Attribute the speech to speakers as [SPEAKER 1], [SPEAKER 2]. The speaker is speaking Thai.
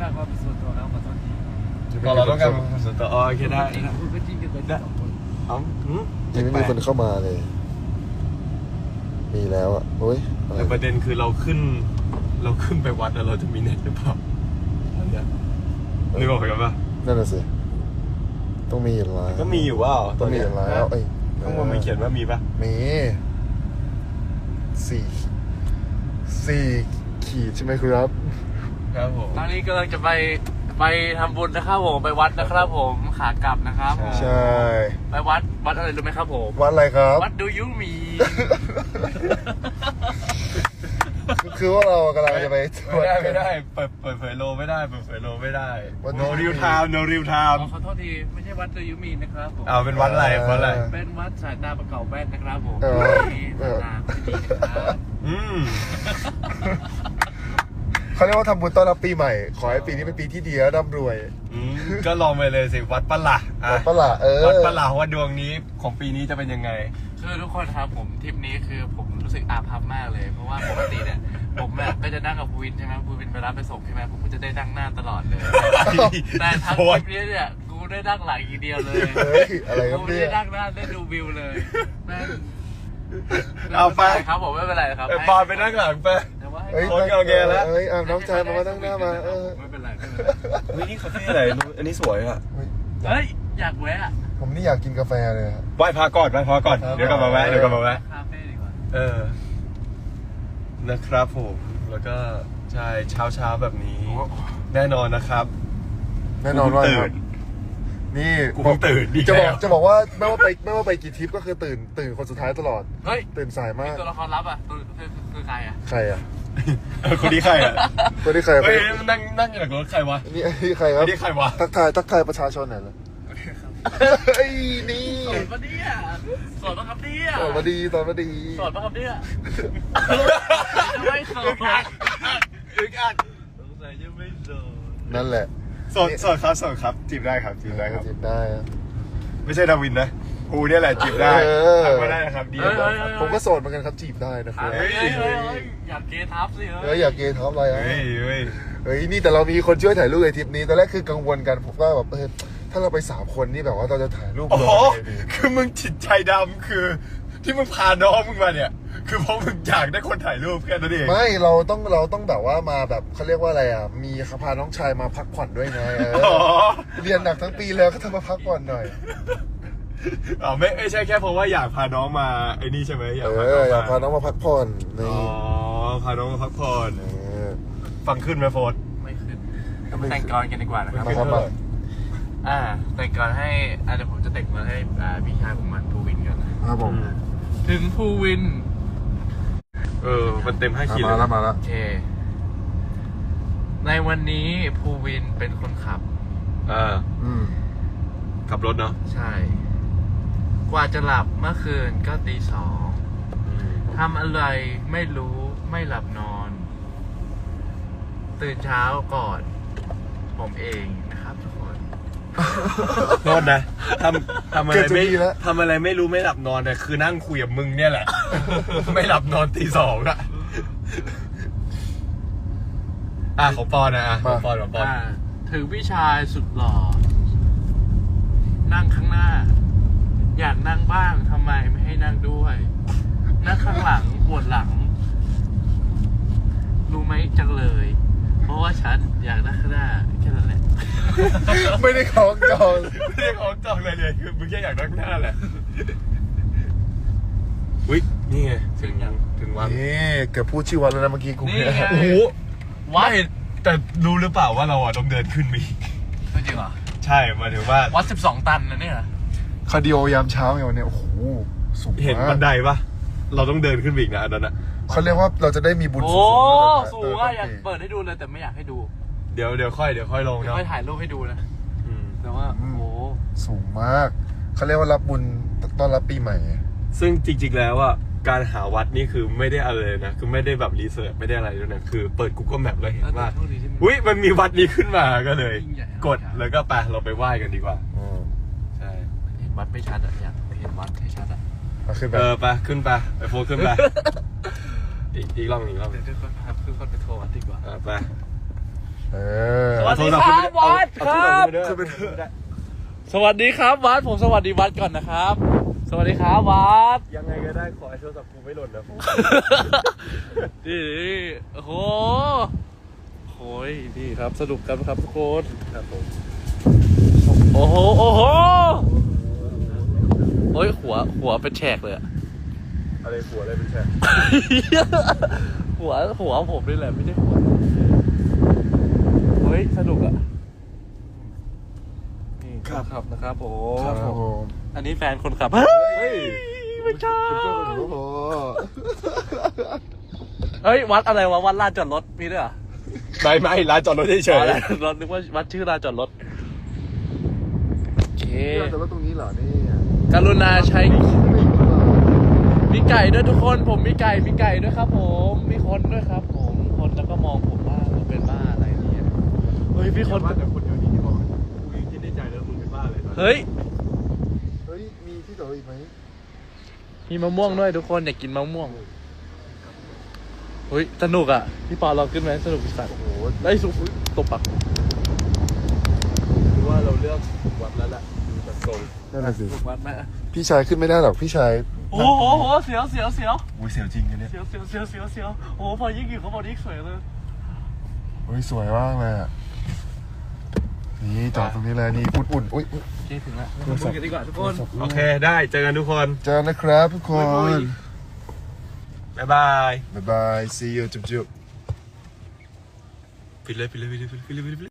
[SPEAKER 1] การความเป็นส่วนตัวแล้วขอโทษที
[SPEAKER 2] เราต้องการความส่วนตัวโอเคได้
[SPEAKER 1] คุณก็จริงกันไปสองคน
[SPEAKER 3] ยังไม่มีคนเข้ามาเลย มีแล้วอ่ะโอ้ย
[SPEAKER 2] แต่ประเด็นคือเราขึ้นไปวัดแล้วเราจะมีเน็ตหรือเปล่านึกออกกันปะ
[SPEAKER 3] นั่นน่ะสิต้องมีอยู่แล้ว
[SPEAKER 2] ก็มีอยู่ว่า
[SPEAKER 3] ต้องมีอยู่แล้วเอ้ย
[SPEAKER 2] ข้างบนมันเขียนว่ามีปะ
[SPEAKER 3] มี4ขีดใช่ไหมครับ
[SPEAKER 2] ครับผม
[SPEAKER 1] ตอนนี้กำลังจะไปทำบุญนะครับผมไปวัดนะครับผมขากลับนะครับผม
[SPEAKER 3] ใช่
[SPEAKER 1] ไปวัดอะไรรู้ไหมครับผม
[SPEAKER 3] วัดอะไรครับ
[SPEAKER 1] วัดดูยูมี
[SPEAKER 3] คือว่าเรากำลังจะไป
[SPEAKER 2] ไม่ได้เปิดเผยโลไม่ได้เปิดเผยโลไม่ได้ no real time no real time
[SPEAKER 1] ขอโทษทีไม่ใช่วัดดูยูมีนะครับผม
[SPEAKER 2] เป็นวัดอะไรวัดอะไร
[SPEAKER 1] เป็นวัดสายตาประกอบแว่นนะครับผม
[SPEAKER 3] เออ
[SPEAKER 1] สายตาไม่ดีนะครับ
[SPEAKER 3] เขาเรียกว่าทำบุญต้อนรับปีใหม่ ขอให้ปีนี้เป็นปีที่ดีและร่ำรวย
[SPEAKER 2] ก็ลองไปเลยสิวัดปะล่ะ
[SPEAKER 3] วัดปะล่ะ
[SPEAKER 2] วัดปะล่ะว่าดวงนี้ของปีนี้จะเป็นยังไง
[SPEAKER 1] คือทุกคนครับผมทริปนี้คือผมรู้สึกอาภัพมากเลย เพราะว่าปกติเนี่ยผมแบบก็จะนั่งกับภูวินใช่ไหมภูวินไปรับไปส่งใช่ไหมผมก็จะได้นั่งหน้าตลอดเลยแต่ทั้งทริปนี้เนี่ยกูได้นั่งหลังอีกเดียวเลย
[SPEAKER 3] เฮ้ยอะไรครับ
[SPEAKER 1] กู
[SPEAKER 3] เนี่
[SPEAKER 1] ได้
[SPEAKER 3] ย
[SPEAKER 1] นั่งหน้าได้ดูวิวเลยแม่ง
[SPEAKER 2] เอาไป
[SPEAKER 1] ม่นรครับผมไม่เป็นไรครับ
[SPEAKER 2] ปอนไปนั่งหลังไป
[SPEAKER 1] แต่ว่าให้
[SPEAKER 3] เฮ้ย
[SPEAKER 2] โอเคแล้ว
[SPEAKER 3] เฮ้ยน้องชายมานั่งหน้ามา
[SPEAKER 1] ไม่เป็นไรไม่เป็นไร
[SPEAKER 2] วินี่คาเฟ่อะไรอันนี้สวยอ่ะ
[SPEAKER 1] เฮ้ยอยากแวะ
[SPEAKER 3] ผมนี่อยากกินกาแฟเลยครับ
[SPEAKER 2] ไหว้พระก่อนเดี๋ยวกลับมาแวะ
[SPEAKER 1] คาเฟ่ดีกว่า
[SPEAKER 2] นะครับผมแล้วก็ใช่เช้าแบบนี้แน่นอนนะครับ
[SPEAKER 3] แน่นอนว่า
[SPEAKER 2] ตื่น
[SPEAKER 3] นี่
[SPEAKER 2] กูเพิ่งตื่นดี
[SPEAKER 3] จะบอก
[SPEAKER 2] แล้ว
[SPEAKER 3] จะบอกว่าไม่ว่าไปกี่ทริปก็คือตื่นคนสุดท้ายตลอด
[SPEAKER 1] เฮ้ย
[SPEAKER 3] ตื่นสายมาก
[SPEAKER 1] ตัวละครลับอ่ะคือใครอ่ะ
[SPEAKER 3] ใครอ่ะ
[SPEAKER 2] คนนี้ใครอ่ะ
[SPEAKER 3] คนที่ใคร
[SPEAKER 2] เฮ้ยนั่งอยู่หลังรถใครวะ
[SPEAKER 3] นี่ใครครับ
[SPEAKER 2] นี่ใครวะ
[SPEAKER 3] ทักทายประชาชนหน่อยเลยเฮ้ยนี่
[SPEAKER 1] สอนปะเนี่ยสอนปะครับเนี่ย
[SPEAKER 3] ตอนมาดี
[SPEAKER 1] สอนปะครับเนี่ยจะไม่สอน
[SPEAKER 2] อึกอัก
[SPEAKER 1] สงสัยจะไม่สอน
[SPEAKER 3] นั่นแหละ
[SPEAKER 2] สดครับจีบได้ครับ
[SPEAKER 3] จีบได้อะ
[SPEAKER 2] ไม่ใช่ดาวินนะกูเนี่ยแหละจีบได้ทำไม่ได้นะครับดี
[SPEAKER 3] ผมก็โสดเหมือนกันครับจีบได้นะครับ
[SPEAKER 1] เฮ้ยอยากเกทับสิ
[SPEAKER 3] อยากเกย์ท็อปอะไรอ่ะ
[SPEAKER 2] เฮ้ย
[SPEAKER 3] เฮ้ยนี่แต่เรามีคนช่วยถ่ายรูปในทริปนี้ตอนแรกคือกังวลกันผมว่าแบบถ้าเราไป3 คนนี่แบบว่าเราจะถ่ายรูป
[SPEAKER 2] โอ้
[SPEAKER 3] ล
[SPEAKER 2] โห
[SPEAKER 3] งยังไงดี
[SPEAKER 2] คือมึงจิตใจดำคือที่มึงพาน้องมึงมาเนี่ยคือเพราะมึงอยากได้คนถ่ายรูปแค่นั้นเอง
[SPEAKER 3] ไม่เราต้องแบบว่ามาแบบเขาเรียกว่าอะไรอ่ะมีพาน้องชายมาพักผ่อนด้วยไงเรียนหนักทั้งปีแล้วก็ทำมาพักผ่อนหน่อย
[SPEAKER 2] ไม่ใช่แค่เพราะว่าอยากพาน้องมาไอ้นี่ใช่ไหมอยากพาน้อง
[SPEAKER 3] อยากพาน้องมาพักผ่อนนี่
[SPEAKER 2] พาน้องมาพักผ่อนฟังขึ้นไหมโฟน
[SPEAKER 1] ไม่ขึ้นแต่งกรกันดีกว่านะครับ
[SPEAKER 3] มาครับมา
[SPEAKER 1] แต่งกรให้เดี๋ยวผมจะแต่งมาให้พี่ชายผมมันภูวินกันนะครับ
[SPEAKER 3] ผม
[SPEAKER 1] ถึงภูวิน
[SPEAKER 2] มันเต็ม5 ขีด
[SPEAKER 3] มาแล้ว
[SPEAKER 1] โอเคในวันนี้ภูวินเป็นคนขับ
[SPEAKER 2] ขับรถเนาะ
[SPEAKER 1] ใช่ กว่าจะหลับเมื่อคืนก็ตี 2ทำอะไรไม่รู้ไม่หลับนอน ตื่นเช้าก่อน ผมเองนะครับทุกคน
[SPEAKER 2] โทษนะทำอะไรไม่รู้ไม่หลับนอนเนี่ยคือนั่งคุยกับมึงเนี่ยแหละ ไม่หลับนอนตี 2อะของปอนนะของปอน
[SPEAKER 1] ถึงพี่ชายสุดหล่อนั่งข้างหน้า อยากนั่งบ้างทำไมไม่ให้นั่งด้วย นั่งข้างหลังปวดหลัง รู้ไหมจังเลย เพราะว่าฉันอยากนั่งข้างหน้าแค่นั้นแหละ
[SPEAKER 3] ไม่ได้ของจอง
[SPEAKER 2] ไม่ได้ของจองเลยคือมึงแค่อยากนั่งหน้าแหละอุ๊ยนี่ไงถึงวัน
[SPEAKER 3] นี่เกือบพูดชื่อวันแล้วนะเมื่อกี้กู
[SPEAKER 1] นี่ไง
[SPEAKER 2] โอ้โหไม่แต่รู้หรือเปล่าว่าเราต้องเดินขึ้นมี
[SPEAKER 1] จริงเหรอ
[SPEAKER 2] ใช่หมายถึงว่า
[SPEAKER 1] วัด12 ตันนะเนี่ย
[SPEAKER 3] คาร์ดิโอยามเช้าไงวันนี้โอ้โหสูงมาก
[SPEAKER 2] เห็นบันไดปะเราต้องเดินขึ้นไปอีกนะอันนั้นนะ
[SPEAKER 3] เขาเรียกว่าเราจะได้มีบุญ
[SPEAKER 1] โอ้
[SPEAKER 3] สูง
[SPEAKER 1] สูงอะอยากเปิดให้ดูเลยแต่ไม่อยากให้ดู
[SPEAKER 2] เดี๋ยวค่อยลง
[SPEAKER 1] เดี๋ยว
[SPEAKER 2] เนาะ
[SPEAKER 1] ค่อยถ่ายรูปให้ดูนะแต่ว่าโอ้โห
[SPEAKER 3] สูงมากเขาเรียกว่ารับบุญต้อนรับปีใหม่
[SPEAKER 2] ซึ่งจริงๆแล้วอ่ะการหาวัดนี่คือไม่ได้อะไรเลยนะคือไม่ได้แบบรีเสิร์ชไม่ได้อะไรด้วยนะคือเปิด Google Map แล้วเห็นว่าอุ๊ยมันมีวัดนี้ขึ้นมาก็เลย กดแล้วก็ไปเราไปไหว้กันดีกว่าใช่
[SPEAKER 1] เห็นวัดไม่ชัดอะอยากเห็นวัดให้ชัดอะ
[SPEAKER 3] ขึ้นไป
[SPEAKER 2] ไปขึ้นไปโฟนขึ้นไปอีกรอบ
[SPEAKER 1] เดี๋ยวทุกคนพาทุกคนไปทัวร์วัดดีกว่า
[SPEAKER 2] ไป
[SPEAKER 3] เออ
[SPEAKER 1] สวัสดีครับวัดครับ
[SPEAKER 2] ขึ้นไปเถอะ
[SPEAKER 1] สวัสดีครับวัดผมสวัสดีวัดก่อนนะครับ สวัสดีครับวัด
[SPEAKER 2] ยังไงก็ได้ขอให้โทรศัพท์กูไม่หล่นนะ
[SPEAKER 1] นี่โอ้โหโอ้ยนี่ครับสนุกกันครับทุกคน
[SPEAKER 2] ครับผม
[SPEAKER 1] โอ้โหโอ้โหโอ้ยหัวเป็นแฉกเลยอะ
[SPEAKER 2] อะไรหัวอะไรเป็นแฉก
[SPEAKER 1] หัวผมนี่แหละไม่ใช่หัวเฮ้ยสนุกอะนี่ขับนะครับผม
[SPEAKER 3] ครับผม
[SPEAKER 1] อันนี้แฟนคนขับ
[SPEAKER 2] เฮ้ย
[SPEAKER 1] ไม่ใช่
[SPEAKER 3] โอ้โห
[SPEAKER 1] เฮ้ยวัดอะไรวะวัดลานจอดรถมีด้วยเหรอ
[SPEAKER 2] ไม่ร้านจอดรถเฉ
[SPEAKER 1] อ๋อย ลานจอดรถนึกว่าวัดชื่อลานจอดรถโอเค
[SPEAKER 3] แต่ว่าตรงนี้เหรอนี่
[SPEAKER 1] กรุณาใช้
[SPEAKER 3] ไม่รู้เหรอ
[SPEAKER 1] มีไก่ด้วยทุกคนผมมีไก่ด้วยครับผมมีคนด้วยครับผมคนแล้วก็มองผมว่าผมเป็นบ้าอะไรเนี่ยเฮ้ย
[SPEAKER 2] ๆ
[SPEAKER 1] พี่คน
[SPEAKER 2] ว่าแต่คนเดียวนี้ที่บอกกูยังคิดในใจแล้วมึงเป็นบ้าเลย
[SPEAKER 1] เฮ้ย
[SPEAKER 3] เฮ้ยมีที่ต่ออีกไหม
[SPEAKER 1] มีมะม่วงด้วยทุกคนอยากกินมะม่วงเฮ้ยสนุกอ่ะพี่ปอเราขึ้นไหมสนุกสัตว์
[SPEAKER 3] โอ้โห
[SPEAKER 1] ได้สุกตบปัก
[SPEAKER 2] คือว่าเราเลือกวัดแล้วแหละดูจากทรง
[SPEAKER 3] นั่นแหละสิ
[SPEAKER 1] ถูกวัดไหม
[SPEAKER 3] พี่ชายขึ้นไม่ได้หรอกพี่ชาย
[SPEAKER 1] โอ้โหเสียว
[SPEAKER 2] อุ้ยเสียวจริงอันเนี้ย
[SPEAKER 1] โอ้โหพอยิ่งอยู่เขาบอกยิ่งสวยเลย
[SPEAKER 3] เฮ้ยสวยมากเลยอ่ะนี่จอดตรงนี้เลยนี่อุ่นๆอุ้ย
[SPEAKER 1] เจ๊ถึงแล้วมาคุยกันดีกว่าทุกคน
[SPEAKER 2] โอเคได้เจอกันทุกคน
[SPEAKER 3] เจอนะครับทุกคน
[SPEAKER 2] บ๊ายบาย
[SPEAKER 3] บ๊ายบาย see you จุ๊บ
[SPEAKER 2] ปิดเลย